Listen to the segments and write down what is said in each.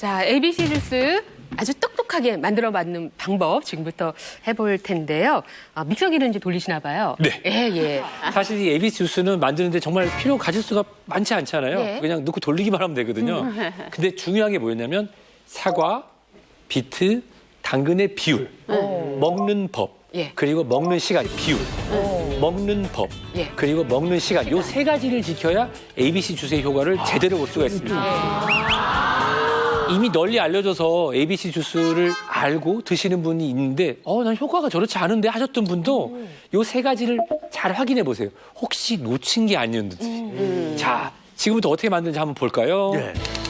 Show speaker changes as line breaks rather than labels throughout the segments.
자, ABC 주스 아주 똑똑하게 만들어봤는 방법 지금부터 해볼 텐데요. 믹서기를 이제 돌리시나 봐요.
네.
예.
사실 이 ABC 주스는 만드는데 정말 필요 가질 수가 많지 않잖아요.
네.
그냥 넣고 돌리기만 하면 되거든요. 근데 중요한 게 뭐였냐면 사과, 비트, 당근의 비율, 먹는 법,
예.
그리고 먹는 시간, 비율, 먹는 법,
예.
그리고 먹는 시간. 요 세 가지를 지켜야 ABC 주스의 효과를 제대로 볼 수가 있습니다. 이미 널리 알려져서 ABC 주스를 알고 드시는 분이 있는데 난 효과가 저렇지 않은데 하셨던 분도 요 세 가지를 잘 확인해 보세요. 혹시 놓친 게 아니었는지. 자, 지금부터 어떻게 만드는지 한번 볼까요?
예.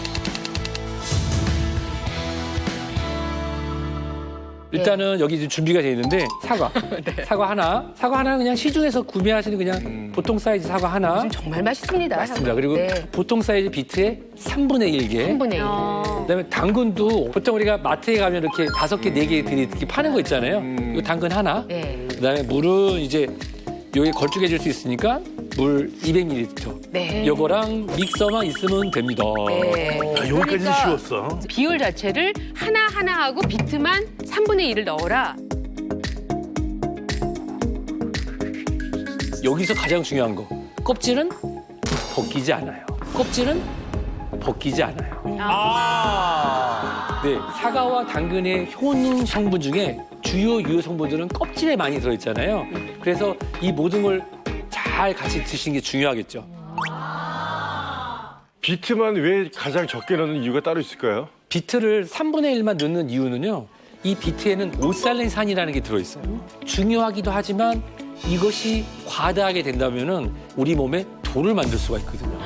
일단은 여기 이제 준비가 되어 있는데 사과. 사과 하나는 그냥 시중에서 구매하시는 그냥 보통 사이즈 사과 하나.
정말 맛있습니다.
맞습니다. 그리고
네.
보통 사이즈 비트의 3분의 1개.
3분의 1.
그다음에 당근도 보통 우리가 마트에 가면 이렇게 5개, 4개 이렇게 파는 거 있잖아요. 이거 당근 하나.
네.
그다음에 물은 이제 여기 걸쭉해질 수 있으니까 물 200ml.
네.
요거랑 믹서만 있으면 됩니다.
네.
여기까지는
그러니까
쉬웠어.
비율 자체를 하나 하고 비트만 3분의 1을 넣어라.
여기서 가장 중요한 거. 껍질은 벗기지 않아요. 껍질은 벗기지 않아요. 네, 사과와 당근의 효능 성분 중에 주요 유효 성분들은 껍질에 많이 들어있잖아요. 그래서 이 모든 걸 잘 같이 드시는 게 중요하겠죠.
비트만 왜 가장 적게 넣는 이유가 따로 있을까요?
비트를 3분의 1만 넣는 이유는요. 이 비트에는 오살린산이라는 게 들어있어요. 중요하기도 하지만 이것이 과다하게 된다면은 우리 몸에 돌을 만들 수가 있거든요.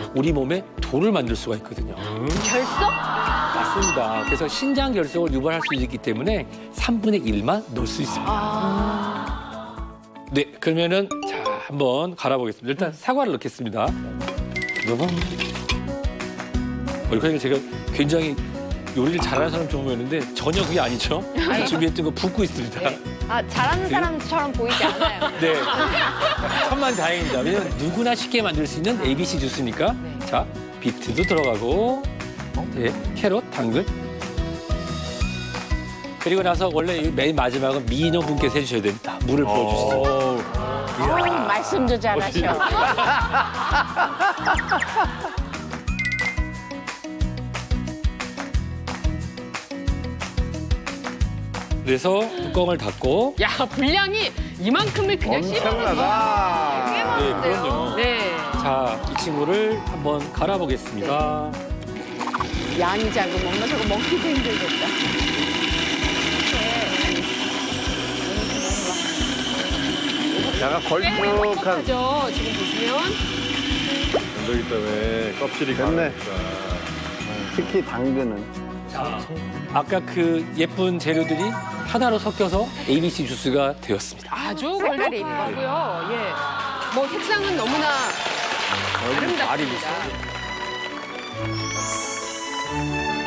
결석?
맞습니다. 그래서 신장 결석을 유발할 수 있기 때문에 3분의 1만 넣을 수 있습니다. 네, 그러면은 자 한번 갈아보겠습니다. 일단 사과를 넣겠습니다. 그러니까 제가 굉장히 요리를 잘하는 사람 좀 보였는데 전혀 그게 아니죠. 준비했던 거 붓고 있습니다.
네.
잘하는 사람처럼 보이지 않아요.
네. 천만 다행입니다. 왜냐면 누구나 쉽게 만들 수 있는 ABC 주스니까. 자, 비트도 들어가고, 네, 캐럿, 당근. 그리고 나서 원래 맨 마지막은 미인어분께서 해주셔야 됩니다. 물을 부어주시죠.
말씀도 잘하셔.
그래서 뚜껑을 닫고.
야, 분량이 이만큼을 그냥
엄청나다.
네, 그럼요.
네.
자, 이 친구를 한번 갈아보겠습니다.
양이 작으면 엄마 저거 먹기도 힘들겠다.
약간 걸쭉한
죠 지금 보시면.
건더기 때문에 껍질이
됐네.
강하니까.
특히 당근은.
자, 아까 그 예쁜 재료들이 하나로 섞여서 ABC 주스가 되었습니다.
아주 걸쭉하고요. 예. 뭐 색상은 너무나 아름답습니다.